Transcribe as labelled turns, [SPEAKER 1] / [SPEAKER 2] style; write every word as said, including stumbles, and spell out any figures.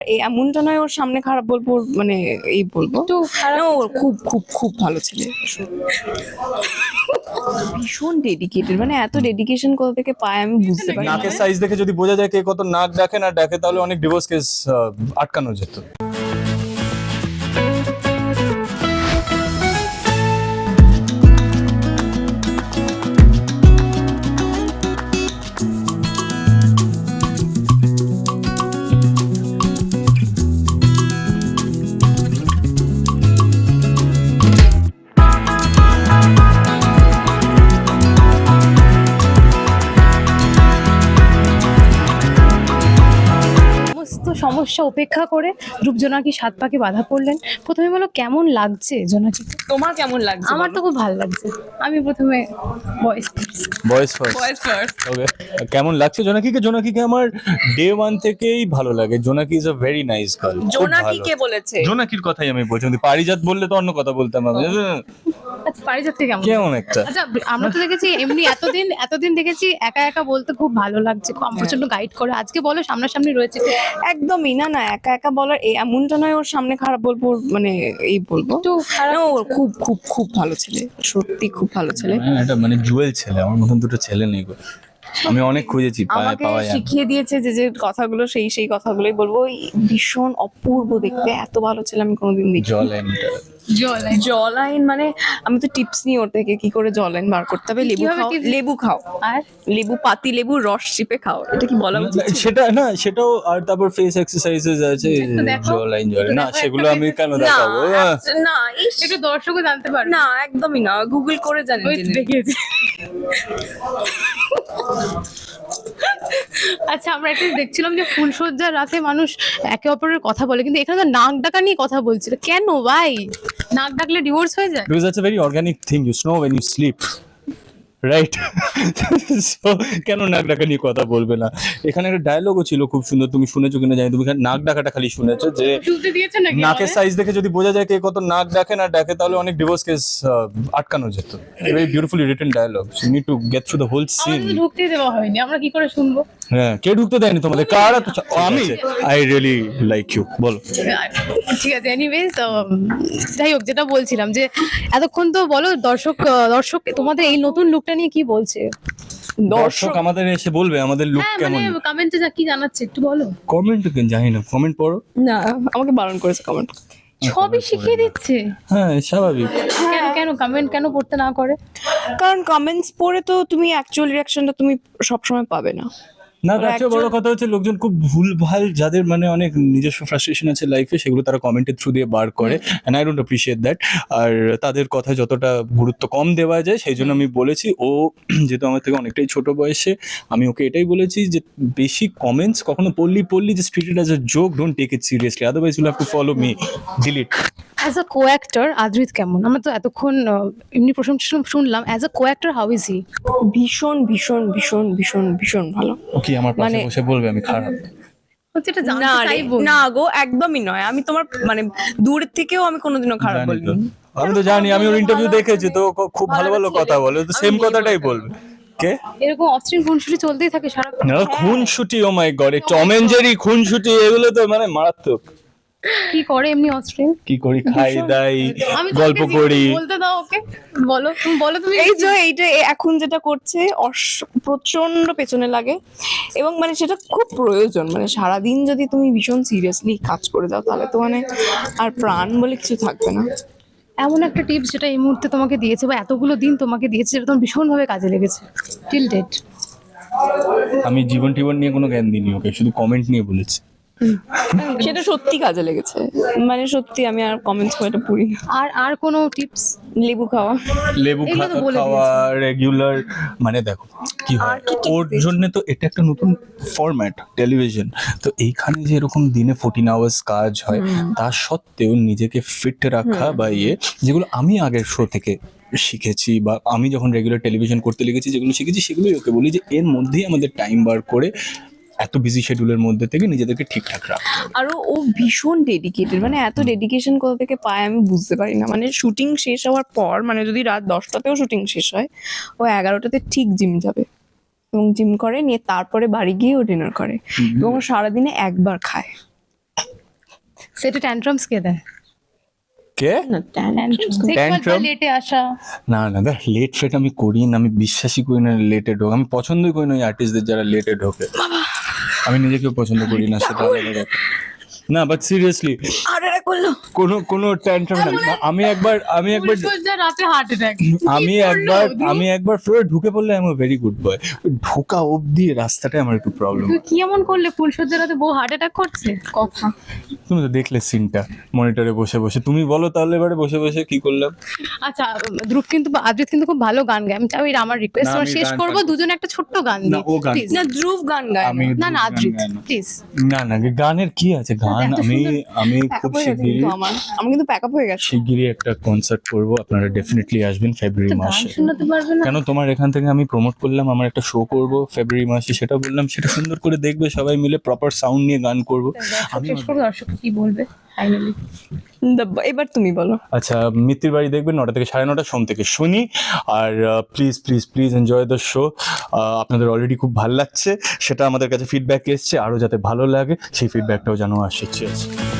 [SPEAKER 1] এই এমনটা নয় ওর সামনে খারাপ বলবো, ওর মানে এই বলবো
[SPEAKER 2] তো
[SPEAKER 1] না, ওর খুব খুব খুব ভালো ছেলে, ভীষণ ডেডিকেটেড, মানে এত ডেডিকেশন কোথা থেকে পায় আমি বুঝতে পারি না।
[SPEAKER 3] নাকের সাইজ দেখে যদি বোঝা যায় কে কত নাক ডাকে না ডাকে, তাহলে অনেক ডিভোর্স কেস আটকানো যেত।
[SPEAKER 2] সমস্ত সমস্যা উপেক্ষা করে ধ্রুব জোনাকি সাত পাকে বাধা পড়লেন। প্রথমে বলো কেমন লাগছে জোনাকি?
[SPEAKER 1] তোমার কেমন লাগছে?
[SPEAKER 2] আমার তো খুব ভালো লাগছে। আমি প্রথমে ভয়েস
[SPEAKER 3] বয়েস ফার্স্ট।
[SPEAKER 1] বয়েস ফার্স্ট।
[SPEAKER 3] ওকে, কেমন লাগছে জোনাকিকে? জোনাকিকে আমার ডে ওয়ান থেকেই ভালো লাগে। Jonaki is a very nice girl.
[SPEAKER 1] Jonaki কে বলেছে?
[SPEAKER 3] জোনাকির কথাই আমি বলছি। যদি পারিজাত বললে তো অন্য কথা বলতাম আমি।
[SPEAKER 2] আচ্ছা, পারিজাতকে কেমন?
[SPEAKER 3] কেমন একটা
[SPEAKER 2] আচ্ছা, আমরা তো দেখেছি এমনি এতদিন এতদিন দেখেছি একা একা বলতে খুব ভালো লাগছে, খুব প্রচন্ড গাইড করে। আজকে বলো সামনাসামনি রয়েছে।
[SPEAKER 1] একদমই না, না একা একা বলার এই এমনটা নয় ওর সামনে খারাপ বলবো, ওর মানে এই বলবো
[SPEAKER 2] একটু খারাপ
[SPEAKER 1] না, ওর খুব খুব খুব ভালো ছেলে, সত্যি খুব ভালো ছেলে।
[SPEAKER 3] হ্যাঁ, এটা মানে জুয়েল ছেলে। আমার মতন দুটো ছেলে নেই গো। আমি অনেক খুঁজেছি, পায়
[SPEAKER 1] আমাকে
[SPEAKER 3] পাওয়া যায় না।
[SPEAKER 1] শিখিয়ে দিয়েছে যে যে কথাগুলো সেই সেই কথাগুলোই বলবো। ওই ভীষণ অপূর্ব দেখতে, এত ভালো ছেলে আমি কোনোদিন দেখি।
[SPEAKER 3] জল এন্টার
[SPEAKER 2] জল
[SPEAKER 1] জল আইন মানে আমি তো টিপস নিই ওর থেকে কি করে জল আইন বার করতে হবে। লেবু
[SPEAKER 2] কিভাবে
[SPEAKER 1] খাও,
[SPEAKER 2] tips?
[SPEAKER 1] লেবু খাও,
[SPEAKER 2] আর
[SPEAKER 1] লেবু পাতি লেবু রস চিপে খাও। এটা কি বলা উচিত ছিল?
[SPEAKER 3] সেটা না, সেটাও। আর তারপর ফেস এক্সারসাইজেস আছে,
[SPEAKER 2] একটু দেখো।
[SPEAKER 3] জল লাইন জল না,
[SPEAKER 2] দেখো,
[SPEAKER 3] সেগুলো
[SPEAKER 2] একটা
[SPEAKER 3] আমি
[SPEAKER 2] face
[SPEAKER 3] কেন
[SPEAKER 1] না,
[SPEAKER 3] দেখাবো?
[SPEAKER 1] আচ্ছা, না ইস,
[SPEAKER 2] একটু দর্শকও জানতে পারবে।
[SPEAKER 1] না একদমই না, গুগল করে জানেন
[SPEAKER 2] ওই
[SPEAKER 1] জেনে।
[SPEAKER 2] দেখিয়েছি। আচ্ছা, আমরা একটা দেখছিলাম যে ফুলসজ্জার রাতে মানুষ একে অপরের কথা বলে, কিন্তু এখানে তো নাক ডাকা নিয়ে কথা বলছিল। কেন ভাই? নাক ডাকলে ডিভোর্স হয়ে যায়?
[SPEAKER 3] Because that's a very organic thing. You snore when you sleep. Right? So কেন নাক ডাকা নিয়ে কথা বলবে না? এখানে একটা ডায়লগও ছিল খুব সুন্দর, তুমি শুনেছো কিনা জানি। তুমি নাক ডাকাটা খালি শুনেছো, যে
[SPEAKER 2] শুনতে দিয়েছে নাকি?
[SPEAKER 3] নাকের
[SPEAKER 2] আমাদের?
[SPEAKER 3] সাইজ দেখে যদি বোঝা যায় কে কত নাক ডাকে না ডাকে, তাহলে অনেক ডিভোর্স কেস আটকানো যেত। Very beautifully written dialogue. You need to get through the whole scene.
[SPEAKER 2] আমাদের তো ঢুকতেই দেওয়া হয়নি, আমরা কি করে শুনবো?
[SPEAKER 3] হ্যাঁ, কে ঢুকতে দেয়নি তোমাদের? কারা তো আমি আই রিয়েলি লাইক ইউ। বলো।
[SPEAKER 2] ঠিক আছে, এনিওয়েজ যাই হোক, যেটা বলছিলাম যে এতক্ষণ তো বলো দর্শক দর্শক তোমাদের এই নতুন লুকটা নিয়ে কি বলছে?
[SPEAKER 3] দর্শক আমাদের এসে বলবে আমাদের লুক
[SPEAKER 2] হ্যাঁ, মানে
[SPEAKER 3] কেমন।
[SPEAKER 2] কমেন্টে যা কি জানাচ্ছে একটু বলো।
[SPEAKER 3] কমেন্ট জানি না, কমেন্ট পড়ো।
[SPEAKER 1] না, আমাকে বারণ করেছে কমেন্ট।
[SPEAKER 2] সবই শিখিয়ে দিচ্ছে।
[SPEAKER 3] হ্যাঁ, স্বাভাবিক।
[SPEAKER 2] কেন কেন কমেন্ট কেন পড়তে না করে?
[SPEAKER 1] কারণ কমেন্টস পড়ে তো তুমি অ্যাকচুয়াল রিয়াকশনটা তুমি সবসময় পাবে না।
[SPEAKER 3] না,
[SPEAKER 1] ওরা
[SPEAKER 3] তার চেয়ে বড়
[SPEAKER 1] actual-
[SPEAKER 3] কথা হচ্ছে লোকজন খুব ভুলভাল, যাদের মানে অনেক নিজস্ব ফ্রাস্ট্রেশন আছে লাইফে, সেগুলো তারা কমেন্টের থ্রু দিয়ে বার করে। And I don't appreciate that. আর তাদের কথায় যতটা গুরুত্ব কম দেওয়া যায়, সেই জন্য আমি বলেছি, ও যেহেতু আমার থেকে অনেকটাই ছোট বয়সে, আমি ওকে এটাই বলেছি যে বেশি কমেন্টস কখনো পড়লি পড়লি যে treat it as a joke, don't take it seriously, otherwise you'll have to follow me, delete.
[SPEAKER 2] As a co actor Adrit কেমন? আমরা তো এতক্ষণ আহ, এমনি প্রশংসা শুনলাম। As a co actor how is he?
[SPEAKER 1] ভীষণ ভীষণ ভীষণ ভীষণ ভীষণ ভালো।
[SPEAKER 3] ওকে, আমার পাশে
[SPEAKER 1] মানে-
[SPEAKER 3] বসে বলবে আমি খারাপ?
[SPEAKER 2] হচ্ছে এটা
[SPEAKER 1] না
[SPEAKER 2] জানতে
[SPEAKER 1] রে,
[SPEAKER 2] চাইবো।
[SPEAKER 1] না গো, একদমই নয়। আমি তোমার মানে দূর থেকেও আমি কোনোদিনও খারাপ
[SPEAKER 3] জানি তো।
[SPEAKER 1] বলিনি।
[SPEAKER 3] আমি তো জানি, আমি ওর ইন্টারভিউ দেখেছি তো, ও খুব ভালো ভালো কথা বলে, তো সেম কথাটাই বলবে। কে?
[SPEAKER 2] এরকম অস্ট্রিন খুনসুটি চলতেই থাকে সারা।
[SPEAKER 3] না, খুনসুটি, oh my god, Tom and Jerry খুনসুটি, এগুলো তো মানে মারাত্মক।
[SPEAKER 2] কি করে এমনি অস্ট্রিন?
[SPEAKER 3] কি করি, খাই দাই,
[SPEAKER 2] আমি
[SPEAKER 3] গল্প
[SPEAKER 2] তোমাকে
[SPEAKER 3] করি।
[SPEAKER 2] বলতে দাও ওকে। বলো তুমি, বলো তুমি।
[SPEAKER 1] এই যে এইটা এ- এখন যেটা করছে অস- প্রচন্ড পেছনে লাগে, এবং মানে সেটা খুব প্রয়োজন। মানে সারাদিন যদি তুমি ভীষণ সিরিয়াসলি কাজ করে যাও, তাহলে তো মানে আর প্রাণ বলে কিছু থাকবে না।
[SPEAKER 2] এমন একটা টিপস যেটা এই মুহূর্তে তোমাকে দিয়েছে বা এতগুলো দিন তোমাকে দিয়েছে, যেটা তোমার ভীষণভাবে কাজে লেগেছে টিল ডেট।
[SPEAKER 3] আমি জীবন টিবন নিয়ে কোনো জ্ঞান দিইনি ওকে, শুধু কমেন্ট নিয়ে বলেছি।
[SPEAKER 1] সেটা সত্যি কাজে লেগেছে, মানে সত্যি আমি আর কমেন্টস করে এটা পড়ি না।
[SPEAKER 2] আর আর কোনো টিপস?
[SPEAKER 1] লেবু খাওয়া,
[SPEAKER 3] লেবু
[SPEAKER 2] এগুলো তো
[SPEAKER 3] খা-
[SPEAKER 2] বলে
[SPEAKER 3] খাওয়া রেগুলার, মানে দেখো কি হয়, ওর জন্য তো এটা একটা নতুন ফরম্যাট টেলিভিশন। তো এইখানে যে এরকম দিনে ফোরটিন আওয়ার্স কাজ হয়, তা সত্ত্বেও নিজেকে ফিট রাখা বা ইয়ে, যেগুলো আমি আগের শো থেকে শিখেছি, বা আমি যখন রেগুলার টেলিভিশন করতে লেগেছি যেগুলো শিখেছি, সেগুলোই ওকে বলি যে এর মধ্যেই আমাদের টাইম বার করে এত বিজি শিডিউলের মধ্যে থেকে নিজেদেরকে ঠিকঠাক রাখা।
[SPEAKER 1] আরো ও ভীষণ ডেডিকেটেড, মানে এত ডেডিকেশন কোথা থেকে পায় আমি বুঝতে পারি না। মানে শুটিং শেষ হওয়ার পর, মানে যদি রাত দশটাতেও শুটিং শেষ হয়, ও এগারোটাতে ঠিক জিম যাবে, এবং জিম করে নিয়ে তারপরে বাড়ি গিয়ে ও ডিনার করে, এবং ও সারাদিনে একবার খায়।
[SPEAKER 2] সেটা ট্যান্ট্রামস কে দেয়?
[SPEAKER 3] কে?
[SPEAKER 1] না
[SPEAKER 3] Tantrum?
[SPEAKER 2] লেটে আসা।
[SPEAKER 3] না না দেখ, লেট ফেট আমি করি না, আমি বিশ্বাসই করি না লেটে ঢোক, আমি পছন্দই করি না ওই আর্টিস্টদের যারা লেটে ঢোকে। আমি নিজেকেও পছন্দ করি না, সেটা আলাদা কথা। না বাট সিরিয়াসলি
[SPEAKER 1] আর এটা করলো
[SPEAKER 3] কোনো কোনো ট্যান্ট্রাম না। আমি একবার আমি একবার
[SPEAKER 2] ফুলসজ্জা রাতে হার্ট অ্যাটাক।
[SPEAKER 3] আমি একবার আমি একবার ফ্লোরে ঢুকে পড়লে আমি ভেরি গুড বয়, ঢোকা অবধি রাস্তাটাই আমার একটু প্রবলেম।
[SPEAKER 2] তুই কি এমন করলে ফুলসজ্জা রাতে বউ হার্ট অ্যাটাক করছে? কথা।
[SPEAKER 3] তুমি তো দেখলে সিনটা মনিটরে বসে বসে, তুমি বলো তাহলে এবারে বসে বসে কি করলাম।
[SPEAKER 2] আচ্ছা, ধ্রুব কিন্তু আদ্রিত কিন্তু খুব ভালো গান গায়। আমি চাই আমার রিকোয়েস্ট
[SPEAKER 3] না, আমি
[SPEAKER 2] শেষ
[SPEAKER 3] গান
[SPEAKER 2] করবো,
[SPEAKER 3] গাই।
[SPEAKER 2] দুজনে একটা ছোট্ট গান
[SPEAKER 3] না,
[SPEAKER 2] দিই
[SPEAKER 3] ও গান
[SPEAKER 2] প্লিজ।
[SPEAKER 1] না ধ্রুব গান গায়
[SPEAKER 3] আমি
[SPEAKER 1] না।
[SPEAKER 2] না না আদ্রিত প্লিজ।
[SPEAKER 3] না না গানের কি আছে, গান
[SPEAKER 2] এত
[SPEAKER 3] আমি
[SPEAKER 2] সুন্দর
[SPEAKER 3] আমি
[SPEAKER 1] প্যাক
[SPEAKER 3] খুব
[SPEAKER 1] আপ হয়ে গেছে
[SPEAKER 3] শিগগিরই
[SPEAKER 1] কিন্তু আমার আমি কিন্তু প্যাক আপ হয়ে গেছে।
[SPEAKER 3] শিগগিরই একটা কনসার্ট করবো, আপনারা ডেফিনেটলি আসবেন ফেব্রুয়ারি
[SPEAKER 2] গান
[SPEAKER 3] মাসে।
[SPEAKER 2] শোনাতে পারবে না?
[SPEAKER 3] কেন, তোমার এখান থেকে আমি প্রমোট করলাম আমার একটা শো করব ফেব্রুয়ারি মাসে, সেটা বললাম, সেটা সুন্দর করে দেখবে সবাই মিলে, প্রপার সাউন্ড নিয়ে গান করব।
[SPEAKER 2] আমি শেষ করবো, দর্শক কি বলবে ফাইনালি?
[SPEAKER 1] দা- এবার তুমি বলো।
[SPEAKER 3] আচ্ছা, মিত্তির বাড়ি দেখবেন নটা থেকে সাড়ে নটা, সোম থেকে শনি। আর please please please enjoy the show. আপনাদের অলরেডি খুব ভালো লাগছে, সেটা আমাদের কাছে ফিডব্যাক এসছে, আরও যাতে ভালো লাগে সেই ফিডব্যাকটাও যেন আসছে।